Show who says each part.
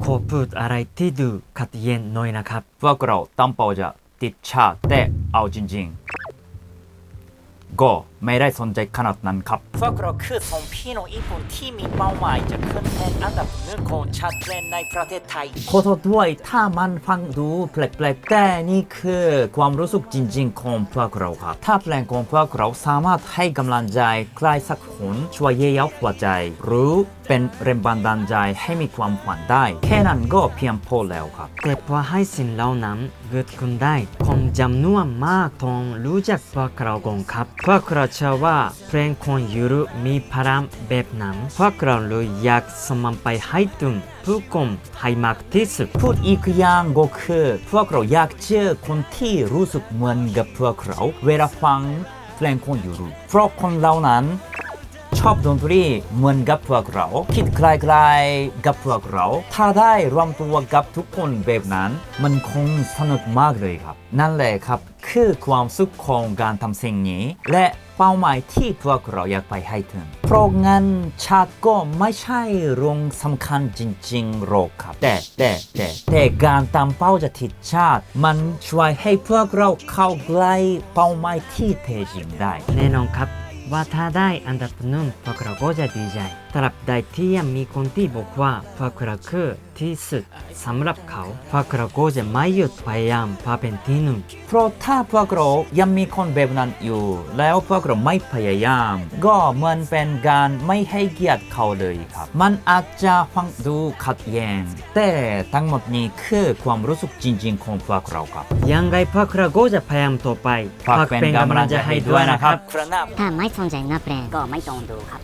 Speaker 1: ขอพูดอะไรที่ดูขัดแย้งหน่อยนะครับ
Speaker 2: พวกเราตั้งเป้าจะติดชาติแต่เอาจริงๆก็ไม่ได้สนใจขนาดนั้นครับ
Speaker 3: พวกเราคือสองพี่น้องญี่ปุ่นที่มีเป้าหมายจะขึ้นเป็นอันดับหนึ่งของชาติในประเทศไทย
Speaker 2: ขอโทษด้วยถ้ามันฟังดูแปลกๆแต่นี่คือความรู้สึกจริงๆของพวกเราครับถ้าเพลงของพวกเราสามารถให้กำลังใจใครสักคนช่วยเยียวยาหัวใจหรือเป็นแรงบันดาลใจให้มีความฝันได้แค่นั้นก็เพียงพอแล้วครับ
Speaker 1: แต่พอให้สิ่งเหล่านั้นเกิดขึ้นได้คนจำนวนมากต้องรู้จักพวกเราก่อนครับพวกเราเชื่อว่าเพลงของยูรุมีพลังแบบนั้นพวกเราเลยอยากสมันไปให้ถึงผู้คนให้มากที่สุด
Speaker 2: พูดอีกอย่างก็คือพวกเราอยากเจอคนที่รู้สึกเหมือนกับพวกเราเวลาฟังเพลงของยูรุเพราะคนเหล่านั้นชอบดนตรีเหมือนกับพวกเราคิดคล้ายๆกับพวกเราถ้าได้รวมตัวกับทุกคนแบบนั้นมันคงสนุกมากเลยครับนั่นแหละครับคือความสุขของการทำสิ่งนี้และเป้าหมายที่พวกเราอยากไปให้ถึงเพราะงั้นชาติก็ไม่ใช่เรื่องสำคัญจริงๆหรอกครับแต่การตามเป้าจะทิศชาติมันช่วยให้พวกเราเข้าใกล้เป้าหมายที่แท้จริงได้
Speaker 1: แน่นอนครับว่าถ้าได้อันดับหนึ่งพวกเราก็จะดีใจตราบใดที่ยังมีคนที่บอกว่าพวกเราคือที่สุดสำหรับเขาพวกเราก็จะไม่หยุดพยายามเพื่อเป็นที่หนึ่ง
Speaker 2: เพราะถ้าพวกเรายังมีคนแบบนั้นอยู่แล้วพวกเราไม่พยายามก็เหมือนเป็นการไม่ให้เกียรติเขาเลยครับมันอาจจะฟังดูขัดแย้งแต่ทั้งหมดนี้คือความรู้สึกจริงๆของพวกเราครับ
Speaker 1: ยังไงพวกเราก็จะพยายามต่อไป
Speaker 2: ฝากเป็นกำลังใจให้ด้วยนะครับ
Speaker 3: ครับ
Speaker 4: ถ้าไม่สนใจนักเพลงก็ไม่ต้องดูครับ